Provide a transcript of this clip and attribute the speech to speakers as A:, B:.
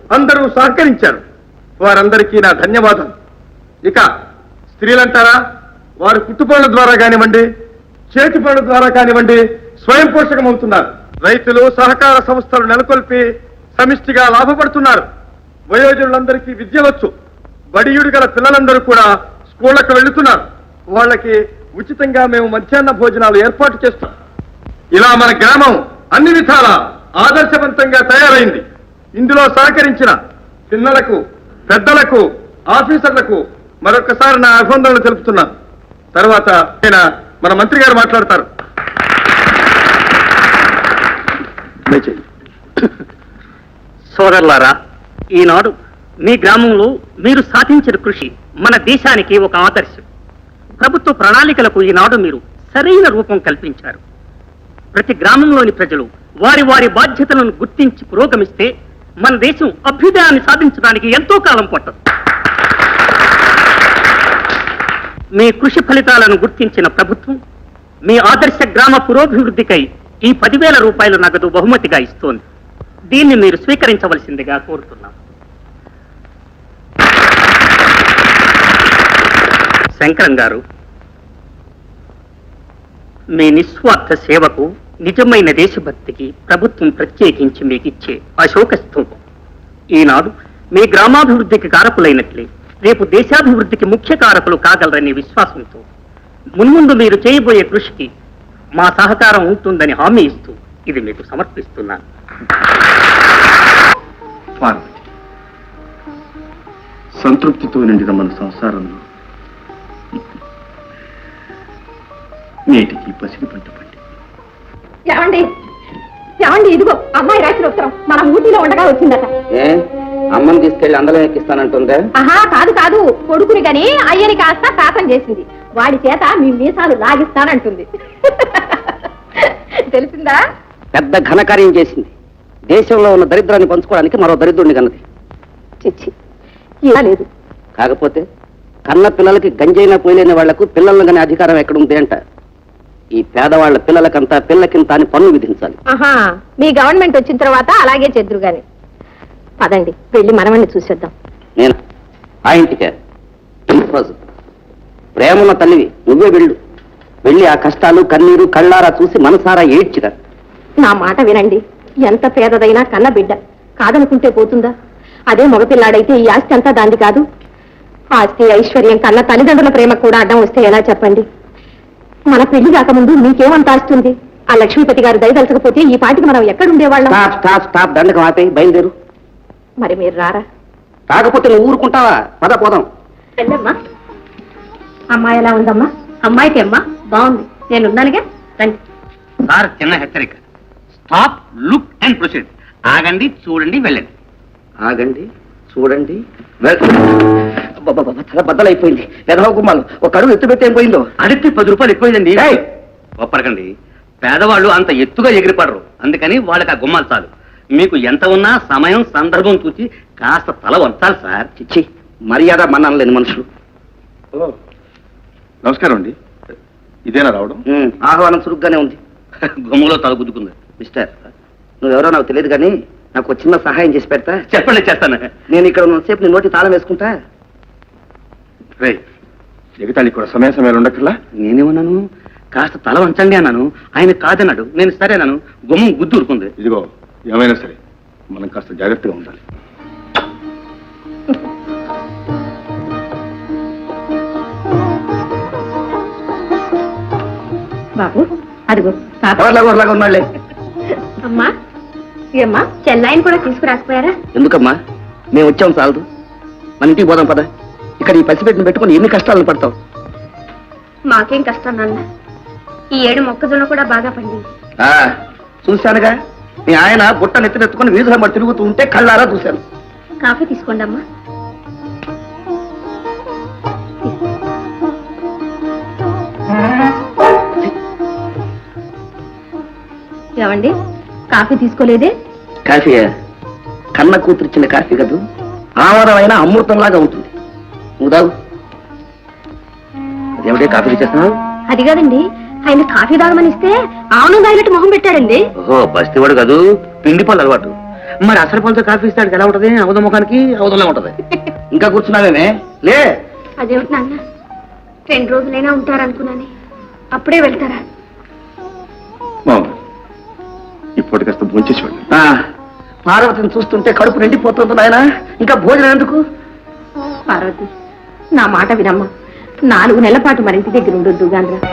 A: అందరూ సహకరించారు. వారందరికీ నా ధన్యవాదాలు. ఇక స్త్రీలంటారా, వారు కుట్టుపనుల ద్వారా కానివ్వండి, చేతి పనుల ద్వారా కానివ్వండి స్వయం పోషకమవుతున్నారు. రైతులు సహకార సంస్థలు నెలకొల్పి సమిష్టిగా లాభపడుతున్నారు. వయోజనులందరికీ విద్య వచ్చు. బడియుడు గల పిల్లలందరూ కూడా స్కూళ్లకు వెళ్తున్నారు. వాళ్ళకి ఉచితంగా మేము మధ్యాహ్న భోజనాలు ఏర్పాటు చేస్తాం. ఇలా మన గ్రామం అన్ని విధాల ఆదర్శవంతంగా తయారైంది. ఇందులో సహకరించిన పిల్లలకు, పెద్దలకు, ఆఫీసర్లకు మరొకసారి నా అభినందనలు తెలుపుతున్నాను. తర్వాత మన మంత్రి గారు మాట్లాడతారు.
B: సోదరులారా, ఈనాడు మీ గ్రామంలో మీరు సాధించిన కృషి మన దేశానికి ఒక ఆదర్శం. ప్రభుత్వ ప్రణాళికలకు ఈనాడు మీరు సరైన రూపం కల్పించారు. ప్రతి గ్రామంలోని ప్రజలు వారి వారి బాధ్యతలను గుర్తించి పురోగమిస్తే మన దేశం అభ్యుదయాన్ని సాధించడానికి ఎంతో కాలం పట్టదు. మీ కృషి ఫలితాలను గుర్తించిన ప్రభుత్వం మీ ఆదర్శ గ్రామ పురోభివృద్ధికై ఈ 10,000 రూపాయల నగదు బహుమతిగా ఇస్తోంది. దీన్ని మీరు స్వీకరించవలసిందిగా కోరుతున్నాం. శంకరం గారు, మీ నిస్వార్థ సేవకు, నిజమైన దేశభక్తికి ప్రభుత్వం ప్రత్యేకించి మీకు ఇచ్చే అశోక స్తూపం. ఈనాడు మీ గ్రామాభివృద్ధికి కారకులైనట్లే రేపు దేశాభివృద్ధికి ముఖ్య కారకులు కాగలరనే విశ్వాసంతో మున్ముందు మీరు చేయబోయే కృషికి మా సహకారం ఉంటుందని హామీ ఇస్తూ ఇది మీకు సమర్పిస్తున్నాను.
A: సంతృప్తితో నిండిన మన సంసారంలో నేటికి పసిడి పంట పండి.
C: ఏమండి ఏమండి, ఇదిగో అమ్మాయి రాసిన ఉత్తరం మన ఊటీలో ఉండగా వచ్చిందట.
B: అమ్మని తీసుకెళ్లి అందరం ఎక్కిస్తానంటుందే?
C: ఆహా, కాదు కాదు, కొడుకుని గాని అయ్యని కాస్త శాతం చేసింది. వాడి చేత మీ మీసాలు లాగిస్తానంటుంది. తెలిసిందా?
B: పెద్ద ఘనకార్యం చేసింది. దేశంలో ఉన్న దరిద్రాన్ని పంచుకోవడానికి మరో దరిద్రుడిని కన్నది.
C: చిచ్చి, ఇలా లేదు.
B: కాకపోతే కన్న పిల్లలకి గంజైనా పోయలేని వాళ్లకు పిల్లలను కానీ అధికారం ఎక్కడుంది అంట. ఈ పేదవాళ్ల పిల్లలకంతా పిల్లకింత అని పన్ను విధించాలి.
C: ఆహా, మీ గవర్నమెంట్ వచ్చిన తర్వాత అలాగే చెద్దురు గాని. పదండి, వెళ్ళి మనమని చూసేద్దాం.
B: నేను ఆ ఇంటికే ప్రేమన్న తల్లివి, నువ్వే వెళ్ళి ఆ కష్టాలు కన్నీరు కళ్ళారా చూసి మనసారా ఏడ్చిరా.
C: నా మాట వినండి. ఎంత పేదదైనా కన్న బిడ్డ కాదనుకుంటే పోతుందా? అదే మగపిల్లాడైతే ఈ ఆస్తి అంతా దాంది కాదు. ఆస్తి ఐశ్వర్యం కన్న తల్లిదండ్రుల ప్రేమ కూడా అడ్డం వస్తే ఎలా చెప్పండి? మన పెళ్లి కాకముందు మీకేమంత ఆస్తుంది? ఆ లక్ష్మీపతి గారు దయదలచకపోతే ఈ పాటికి మనం ఎక్కడుండేవాళ్ళం?
B: దండకం ఆపే, బయలుదేరు.
C: మరి మీరు రారా?
B: కాకపోతే నువ్వు ఊరుకుంటావా? పద పోదాం.
C: రండమ్మా. అమ్మాయి ఎలా ఉందమ్మా? అమ్మాయికి అమ్మా బాగుంది, నేనున్నానుగా. రండి.
B: సార్, చిన్న హెచ్చరిక. Stop, look and proceed. ఆగండి, చూడండి, వెళ్ళండి. ఆగండి, చూడండి, తల బద్దలైపోయింది. వెధవ గుమ్మాలు ఒక అడుగు ఎత్తు పెట్టి ఏం పోయిందో. అడిగి 10 రూపాయలు ఎక్కువైందండి. ఒప్పరకండి, పేదవాళ్ళు అంత ఎత్తుగా ఎగిరిపడరు. అందుకని వాళ్ళకి ఆ గుమ్మాలు చాలు. మీకు ఎంత ఉన్నా సమయం సందర్భం చూసి కాస్త తల వంచాలి సార్. చిచ్చి, మర్యాద మన్నాను లేని మనుషులు.
A: నమస్కారం అండి. ఇదేనా రావడం?
B: ఆహ్వానం చురుగ్గానే ఉంది. గుమ్మలో తల గుద్దుకుంది. మిస్టర్, నువ్వెవరో నాకు తెలియదు కానీ నాకు ఒక చిన్న సహాయం చేసి పెడతా? చెప్పండి, చేస్తాను. నేను ఇక్కడ ఉన్నసేపు నీ నోటి తాళం వేసుకుంటా.
A: ఎగతాళి కూడా సమయాలు ఉండక్కర్లా.
B: నేనేమన్నాను? కాస్త తల వంచండి అన్నాను. ఆయన కాదన్నాడు. నేను సరేనాను. గుమ్మం గుద్దు ఊరుకుంది.
A: ఇదిగో, ఏమైనా సరే మనం కాస్త జాగ్రత్తగా ఉండాలి.
C: బాబు, అదిగో
B: ఉన్నాళ్లే.
C: అమ్మా, ఏమ్మా, చెల్లాయిని కూడా తీసుకురాకపోయారా?
B: ఎందుకమ్మా, మేము వచ్చాం చాలదు. మన ఇంటికి పోదాం పద. ఇక్కడ ఈ పసిపెట్టిన పెట్టుకుని ఎన్ని కష్టాలను పడతావు?
C: మాకేం కష్టం నాన్న. ఈ ఏడు మొక్కజొన్న కూడా బాగా పండింది.
B: చూశానుగా, మీ ఆయన బుట్ట నెత్తినెత్తుకుని వీధుల మరి తిరుగుతూ ఉంటే కళ్ళారా చూశాను.
C: కాఫీ తీసుకోండి అమ్మా. ఏమండి, కాఫీ తీసుకోలేదే?
B: కాఫీయా? కన్న కూతురిచ్చిన కాఫీ కదూ, ఆమరమైన అమృతంలాగా ఉంటుంది. నువ్వు తాగు. అదేమిటే కాఫీ చేస్తున్నావు?
C: అది కాదండి, ఆయన కాఫీ తాగమని ఇస్తే ఆవును తాగినట్టు మొహం పెట్టాడండి.
B: ఓహో, బస్తీవాడు కాదు, పిండి పళ్ళు అలవాటు.
D: మరి అసలు పళ్ళతో కాఫీ ఇస్తాడు ఎలా ఉంటది? అవధ ముఖానికి అవధంలో ఉంటది. ఇంకా కూర్చున్నావేమే? లే.
C: అదేమిటి నాన్న 2 రోజులైనా ఉంటారనుకున్నానే, అప్పుడే వెళ్తారా?
A: ఇప్పటి కాస్త భోంచేసి వెళ్ళి
D: పార్వతిని చూస్తుంటే కడుపు నిండిపోతుంది నాయన, ఇంకా భోజనం ఎందుకు?
C: పార్వతి, నా మాట వినమ్మా. 4 నెలల పాటు మరింటి దగ్గర ఉండొద్దు గాంధ్ర.